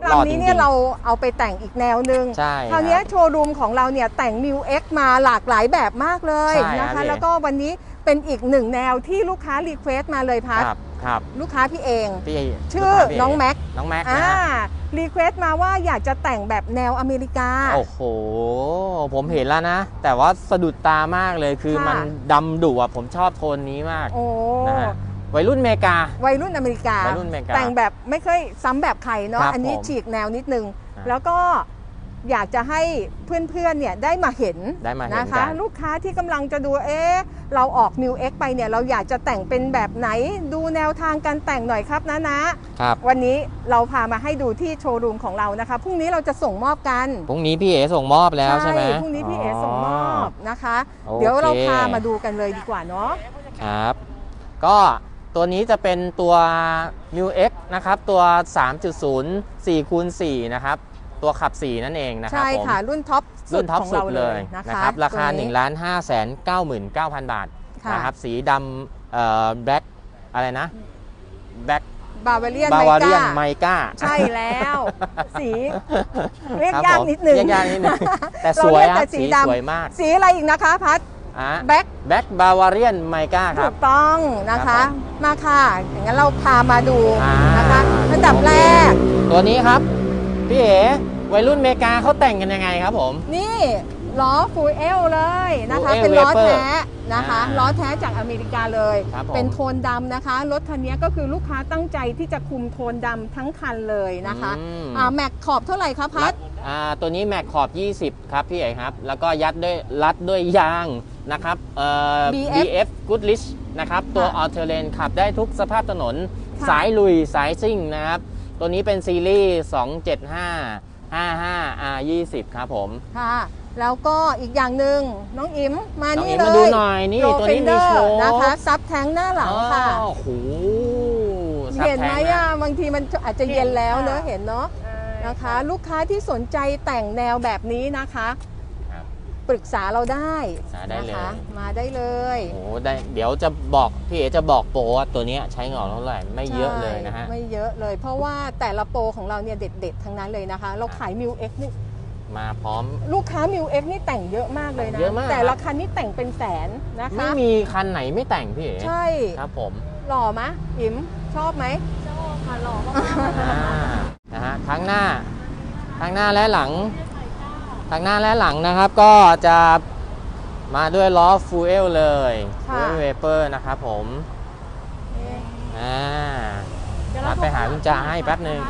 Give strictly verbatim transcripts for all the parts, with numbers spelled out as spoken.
คำนี้เนี่ยเราเอาไปแต่งอีกแนวหนึ่งใช่คราวนี้โชว์รูมของเราเนี่ยแต่ง มิว เอ็กซ์ มาหลากหลายแบบมากเลยนะคะแล้วก็วันนี้เป็นอีกหนึ่งแนวที่ลูกค้ารีเควสต์มาเลยพัดครับลูกค้าพี่เองพี่ชื่อน้องแม็กน้องแม็กอ่ารีเควสต์มาว่าอยากจะแต่งแบบแนวอเมริกาโอ้โหผมเห็นแล้วนะแต่ว่าสะดุดตามากเลยคือมันดำดุอ่ะผมชอบโทนนี้มากนะฮะวัยรุ่นอเมริกาวัยรุ่นอเมริกาแต่งแบบไม่เคยซ้ำแบบใครเนาะอันนี้ฉีกแนวนิดนึงแล้วก็อยากจะให้เพื่อนๆเนี่ยได้มาเห็นนะคะลูกค้าที่กำลังจะดูเอ๊ะเราออก มิว เอ็กซ์ ไปเนี่ยเราอยากจะแต่งเป็นแบบไหนดูแนวทางการแต่งหน่อยครับนะนะครับวันนี้เราพามาให้ดูที่โชว์รูมของเรานะคะพรุ่งนี้เราจะส่งมอบกันพรุ่งนี้พี่เอ๋ส่งมอบแล้วใช่ไหมพรุ่งนี้พี่เอ๋ส่งมอบนะคะเดี๋ยวเราพามาดูกันเลยดีกว่าเนาะครับก็ตัวนี้จะเป็นตัว มิว เอ็กซ์ นะครับตัว สามจุดศูนย์ สี่คูณสี่ นะครับตัวขับสี่นั่นเองนะครับใช่ค่ะรุ่นท็อปรุ่นท็อปสุดเลยนะครับราคา หนึ่งล้านห้าแสนเก้าหมื่นเก้าพัน บาทนะครับสีดำเอ่อแบล็คอะไรนะแบล็คบาวาเรียนไมก้าใช่แล้วสีเรียกยากนิดนึงเรียกยากนิดนึงแต่สวยอะสีสวยมากสีอะไรอีกนะคะพัดแบ็คแบ็คบาวาเรียนไมก้าครับถูกต้องนะคะมาค่ะอย่างนั้นเราพามาดูนะคะอันดับแรกตัวนี้ครับพี่เอ๋วัยรุ่นอเมริกาเขาแต่งกันยังไงครับผมนี่ล้อฟูเอลเลยนะคะเป็นล้อแท้นะคะล้อแท้จากอเมริกาเลยเป็นโทนดำนะคะรถคันนี้ก็คือลูกค้าตั้งใจที่จะคุมโทนดำทั้งคันเลยนะคะแม็กขอบเท่าไหร่ครับพัดตัวนี้แม็กขอบยี่สิบครับพี่เอ๋ครับแล้วก็ยัดด้วยรัดด้วยยางนะครับเอ่อ บี เอฟ Goodrich นะครับตัว All Terrain ขับได้ทุกสภาพถนนสายลุยสายซิ่งนะครับตัวนี้เป็นซีรีส์สองเจ็ดห้า ห้าห้า อาร์ ยี่สิบ ครับผมค่ะแล้วก็อีกอย่างหนึ่งน้องอิ๋มมานี่เลยมาดูหน่อยนี่ตัวนี้มีโชว์นะคะซับแท้งหน้าหลังค่ะโอ้โหเห็นไหมอ่ะบางทีมันอาจจะเย็นแล้วเนอะเห็นเนาะนะคะลูกค้าที่สนใจแต่งแนวแบบนี้นะคะปรึกษาเราได้นะคะมาได้เลยโอ้ได้เดี๋ยวจะบอกพี่เอ๋จะบอกโปรว่าตัวนี้ใช้เงาเท่าไหร่ไม่เยอะเลยนะฮะไม่เยอะเลยเพราะว่าแต่ละโปรของเราเนี่ยเด็ดๆทั้งนั้นเลยนะคะเราขาย มิว เอ็กซ์ นี่มาพร้อมลูกค้า มิว เอ็กซ์ นี่แต่งเยอะมากเลยนะแต่ละคันนี่แต่งเป็นแสนนะคะไม่มีคันไหนไม่แต่งพี่เอ๋ใช่ครับผมหล่อไหมอิ๋มชอบไหมชอบค่ะหล่อมากนะฮะทั้งหน้าทั้งหน้าและหลังทางหน้าและหลังนะครับก็จะมาด้วยล้อฟูเอลเลยฟูเอลเวเปอร์นะครับผมอ่ามาไปหาคุณจ่าให้แป๊บหนึ่ง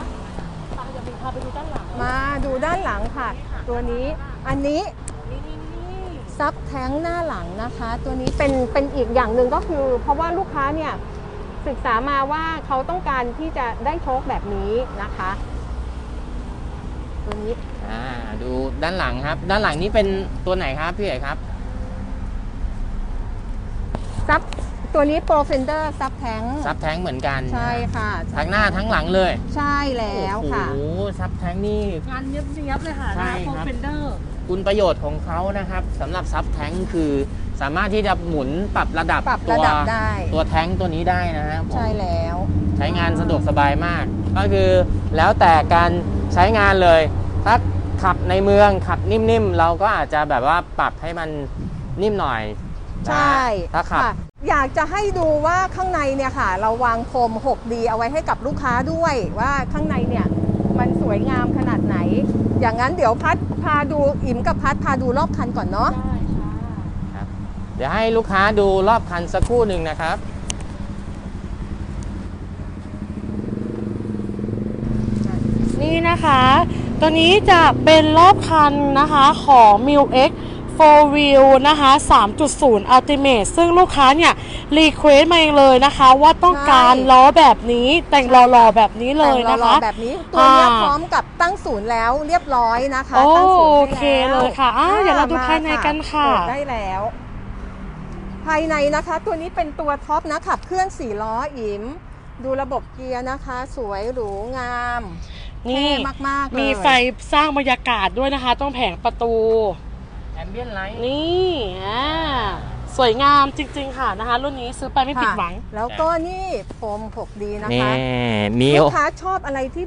มาดูด้านหลังค่ะตัวนี้อันนี้ซับแท้งหน้าหลังนะคะตัวนี้เป็นเป็นอีกอย่างหนึ่งก็คือเพราะว่าลูกค้าเนี่ยศึกษามาว่าเขาต้องการที่จะได้โชคแบบนี้นะคะตัวนี้อ่าดูด้านหลังครับด้านหลังนี้เป็นตัวไหนครับพี่เอ๋ครับซับตัวนี้โปรเฟนเดอร์ซับแท้งซับแท้งเหมือนกันใช่ค่ะทั้งหน้าทั้งหลังเลยใช่แล้วค่ะโอ้โหซับแท้งนี่งานเนียบๆเลยค่ะใช่โปรเฟนเดอร์คุณประโยชน์ของเขานะครับสำหรับซับแท้งคือสามารถที่จะหมุนปรับระดับปรับระดับได้ตัวแท้งตัวนี้ได้นะฮะใช่แล้วใช้งานสะดวกสบายมากก็คือแล้วแต่การใช้งานเลยถ้าขับในเมืองขับนิ่มๆเราก็อาจจะแบบว่าปรับให้มันนิ่มหน่อยใช่ถ้าขับอยากจะให้ดูว่าข้างในเนี่ยค่ะเราวางโคม หกดี เอาไว้ให้กับลูกค้าด้วยว่าข้างในเนี่ยมันสวยงามขนาดไหนอย่างนั้นเดี๋ยวพัดพาดูอิ๋มกับพัดพาดูรอบคันก่อนเนาะได้ค่ะเดี๋ยวให้ลูกค้าดูรอบคันสักครู่หนึ่งนะครับนี่นะคะตัวนี้จะเป็นรอบคันนะคะของ มิว เอ็กซ์ โฟร์ วีล นะคะ สามจุดศูนย์ Ultimate ซึ่งลูกค้าเนี่ยรีเควสต์มาเองเลยนะคะว่าต้องการล้อแบบนี้แต่งหล่อๆแบบนี้เลยนะคะแบบนี้ตัวนี้พร้อมกับตั้งศูนย์แล้วเรียบร้อยนะคะโอเคเลยค่ะอ่าเดี๋ยวเราดูภายในกันค่ะได้แล้วภายในนะคะตัวนี้เป็นตัวท็อปนะขับเคลื่อนสี่ล้ออิ๋มดูระบบเกียร์นะคะสวยหรูงามนี่มากๆมีไฟสร้างบรรยากาศด้วยนะคะตรงแผงประตูแอมเบียนไลท์นี่อ่าสวยงามจริงๆค่ะนะคะรุ่นนี้ซื้อไปไม่ผิดหวังแล้วก็นี่โฟม หกดี นะคะลูกค้าชอบอะไรที่แบบ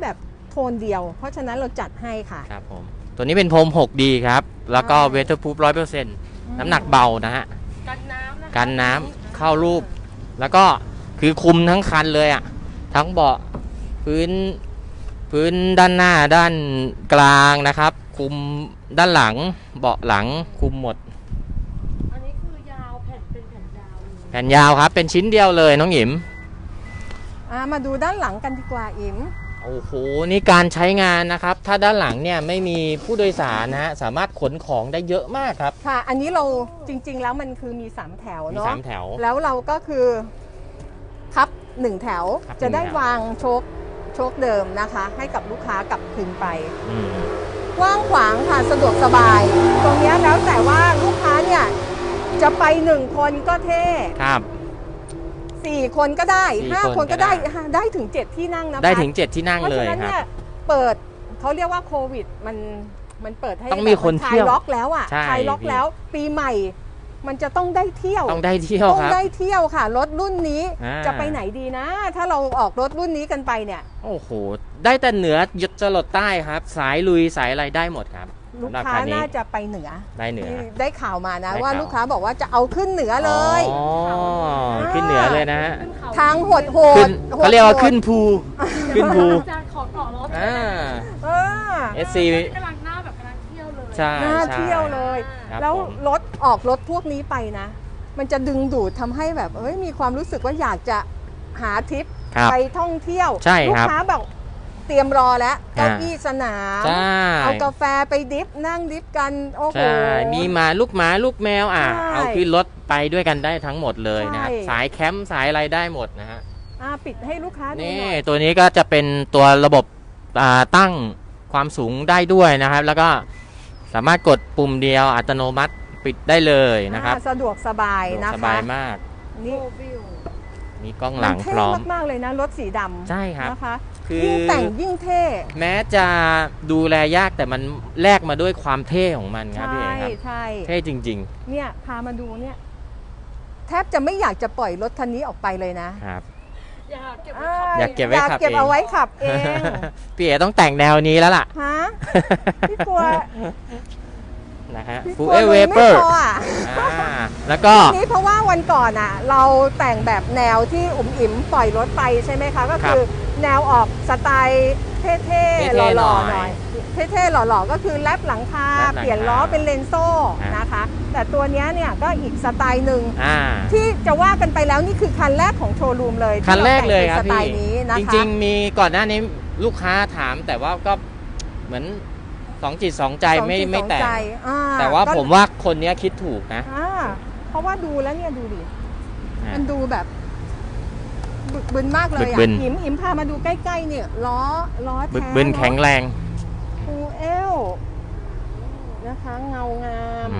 โทนเดียวเพราะฉะนั้นเราจัดให้ค่ะครับผมตัวนี้เป็นพรม หกดี ครับแล้วก็เวเทอร์พูฟ ร้อยเปอร์เซ็นต์ น้ำหนักเบานะฮะกันน้ำนะคะกันน้ำเข้ารูปแล้วก็คือคุมทั้งคันเลยอ่ะทั้งเบาะพื้นพื้นด้านหน้าด้านกลางนะครับคุมด้านหลังเบาะหลังคุมหมดอันนี้คือยาวแผ่นเป็นแผ่นยาวแผ่นยาวครับเป็นชิ้นเดียวเลยน้องหยิมมาดูด้านหลังกันดีกว่าอิ๋มโอ้โหนี่การใช้งานนะครับถ้าด้านหลังเนี่ยไม่มีผู้โดยสารนะฮะสามารถขนของได้เยอะมากครับค่ะอันนี้เราจริงๆแล้วมันคือมีสามแถวเนาะมีสามแถวแล้วเราก็คือพับหนึ่งแถวจะได้วางโชคโชคเดิมนะคะให้กับลูกค้ากลับคืนไปกว้างขวางค่ะสะดวกสบายตรงนี้แล้วแต่ว่าลูกค้าเนี่ยจะไปหนึ่งคนก็เท่ครับสี่คนก็ได้ห้าคนก็ได้ได้ถึงเจ็ดที่นั่งนะคะได้ถึงเจ็ดที่นั่งเลยครับเพราะฉะนั้นเนี่ยเปิดเขาเรียกว่าโควิดมันมันเปิดให้ต้องมีคนเที่ยวล็อกแล้วอ่ะคลายล็อกแล้วปีใหม่มันจะต้องได้เที่ยวต้องได้เที่ยวต้องได้เที่ยวค่ะรถรุ่นนี้จะไปไหนดีนะถ้าเราออกรถรุ่นนี้กันไปเนี่ยโอ้โหได้แต่เหนือหยุดจรดใต้ครับสายลุยสายอะไรได้หมดครับลูกค้าน่าจะไปเหนือได้เหนือได้ข่าวมานะว่าลูกค้าบอกว่าจะเอาขึ้นเหนือเลยอ๋อขึ้นเหนือเลยนะฮะทางโหดโหดเขาเรียกว่าขึ้นภูขึ้นภูขอเกาะรถอ่าเอสซีกำลังหน้าแบบกำลังเที่ยวเลยใช่หน้าเที่ยวเลยแล้วรถออกรถพวกนี้ไปนะมันจะดึงดูดทำให้แบบเอ้ยมีความรู้สึกว่าอยากจะหาทริปไปท่องเที่ยวลูกค้าแบบเตรียมรอแล้วเก้าอี้สนามเอากาแฟไปดิฟนั่งดิฟกันโอ้โหมีหมาลูกหมาลูกแมวอ่ะเอาขึ้นรถไปด้วยกันได้ทั้งหมดเลยนะสายแคมป์สายอะไรได้หมดนะฮะปิดให้ลูกค้าดูหน่อยนี่ตัวนี้ก็จะเป็นตัวระบบตั้งความสูงได้ด้วยนะครับแล้วก็สามารถกดปุ่มเดียวอัตโนมัติปิดได้เลยนะครับสะดวกสบายนะคะสบายมากนี่มีกล้องหลังพร้อมมากๆเลยนะรถสีดำใช่ครับนะคะยิ่งแต่งยิ่งเท่แม้จะดูแลยากแต่มันแลกมาด้วยความเท่ของมันครับพี่เอ๋ครับใช่เท่จริงๆเนี่ยพามาดูเนี่ยแทบจะไม่อยากจะปล่อยรถคันนี้ออกไปเลยนะครับอยากเก็บอยากเก็บไว้ขับเองอยากเก็บเอาไว้ขับเองพี่เอ๋ต้องแต่งแนวนี้แล้วล่ะฮะพี่กลัวนะฮะฟูเอเวเปอร์แล้วก็นี่เพราะว่าวันก่อนอ่ะเราแต่งแบบแนวที่อุ๋มอิ๋มปล่อยรถไปใช่ไหมคะก็คือแนวออกสไตล์เท่ๆหล่อๆหน่อยเท่ๆหล่อๆก็คือแลปหลังคาเปลี่ยนล้อเป็นเลนโซ่นะคะแต่ตัวนี้เนี่ยก็อีกสไตล์หนึ่งที่จะว่ากันไปแล้วนี่คือคันแรกของโชว์รูมเลยคันแรกเลยครับพี่จริงๆมีก่อนหน้านี้ลูกค้าถามแต่ว่าก็เหมือนสองจิตสองใจไม่ไม่แต่แต่ว่าผมว่าคนนี้คิดถูกนะเพราะว่าดูแล้วเนี่ยดูดิมันดูแบบบึกบึนมากเลยอ่ะอิมอิมพามาดูใกล้ๆเนี่ยล้อล้อแท้บึกบึนแข็งแรงฟูเอลนะคะเงางาม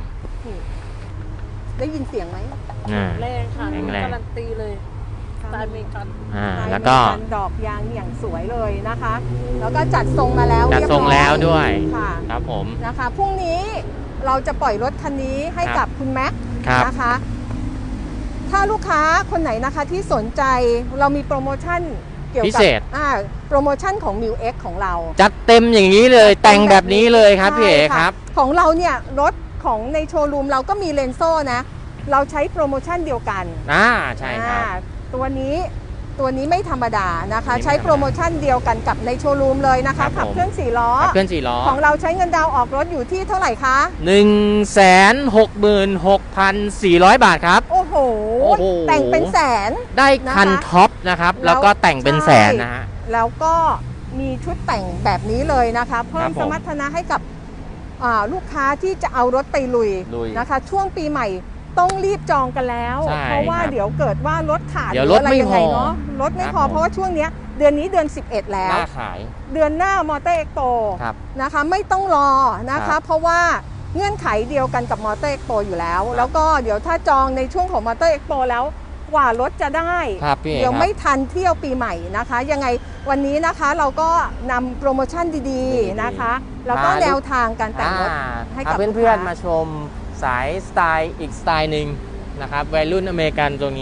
ได้ยินเสียงไหมแรงค่ะการันตีเลยสไตล์เมกันแล้วก็ดอกยางอย่างสวยเลยนะคะแล้วก็จัดทรงมาแล้วจัดทรงแล้วด้วยค่ะครับผมนะคะพรุ่งนี้เราจะปล่อยรถคันนี้ให้กับคุณแม็กนะคะถ้าลูกค้าคนไหนนะคะที่สนใจเรามีโปรโมชั่นเกี่ยวกับอ่าโปรโมชั่นของ มิว เอ็กซ์ ของเราจัดเต็มอย่างนี้เลยแต่งแบบนี้เลยครับพี่เอ๋ครับของเราเนี่ยรถของในโชว์รูมเราก็มีเลนโซ่นะเราใช้โปรโมชั่นเดียวกันอ่าใช่ครับตัวนี้ตัวนี้ไม่ธรรมดานะคะใช้โปรโมชั่นเดียวกันกับในโชว์รูมเลยนะคะขับเคลื่อนสี่ล้อขับเคลื่อนสี่ล้อของเราใช้เงินดาวออกรถอยู่ที่เท่าไหร่คะหนึ่งแสนหกหมื่นหกพันสี่ร้อย บาทครับโอ้โหแต่งเป็นแสนได้คันท็อปนะครับแล้วก็แต่งเป็นแสนนะฮะแล้วก็มีชุดแต่งแบบนี้เลยนะคะเพิ่มสมรรถนะให้กับลูกค้าที่จะเอารถไปลุยนะคะช่วงปีใหม่ต้องรีบจองกันแล้วเพราะว่าเดี๋ยวเกิดว่ารถขาดหรืออะไรยังไงเนาะรถไม่พอเพราะว่าช่วงนี้เดือนนี้เดือนสิบเอ็ดแล้วเดือนหน้ามอเตอร์เอ็กโปนะคะไม่ต้องรอนะคะเพราะว่าเงื่อนไขเดียวกันกับมอเตอร์เอ็กโปอยู่แล้วแล้วก็เดี๋ยวถ้าจองในช่วงของมอเตอร์เอ็กโปแล้วกว่ารถจะได้เดี๋ยวไม่ทันเที่ยวปีใหม่นะคะยังไงวันนี้นะคะเราก็นำโปรโมชั่นดีๆนะคะแล้วก็แนวทางการแต่งรถให้กับเพื่อนๆมาชมสายสไตล์อีกสไตล์หนึ่งนะครับวัยรุ่นอเมริกันตรงนี้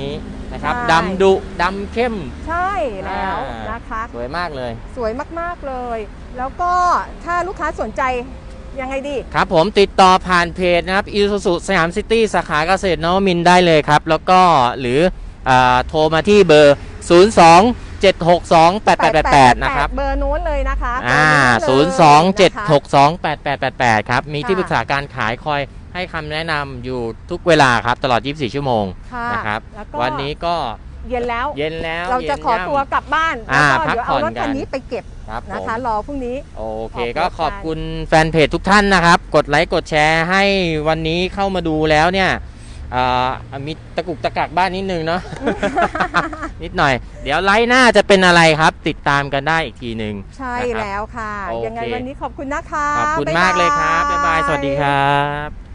นะครับดำดุดำเข้มใช่แล้วนะคะสวยมากเลยสวยมากๆเลยแล้วก็ถ้าลูกค้าสนใจยังไงดีครับผมติดต่อผ่านเพจนะครับอิซูซุสยามซิตี้สาขาเกษตรนวมินทร์ได้เลยครับแล้วก็หรือโทรมาที่เบอร์ ศูนย์ สอง เจ็ด หก สอง แปด แปด แปด แปด นะครับเบอร์โน้นเลยนะคะอ่า ศูนย์ สอง เจ็ด หก สอง แปด แปด แปด แปด ครับมีที่ปรึกษาการขายคอยให้คำแนะนำอยู่ทุกเวลาครับตลอดยี่สิบสี่ชั่วโมงนะครับวันนี้ก็เย็นแล้วเย็นแล้วเราจะขอตัวกลับบ้านแล้วก็เดี๋ยวเอารถคันนี้ไปเก็บนะคะรอพรุ่งนี้โอเคก็ขอบคุณแฟนเพจทุกท่านนะครับกดไลค์กดแชร์ให้วันนี้เข้ามาดูแล้วเนี่ยมีตะกุกตะกักบ้านนิดนึงเนาะ นิดหน่อยเดี๋ยวไลฟ์หน้าจะเป็นอะไรครับติดตามกันได้อีกทีหนึ่งใช่แล้วค่ะยังไงวันนี้ขอบคุณนะคะขอบคุณมากเลยครับบ๊ายบายสวัสดีครับ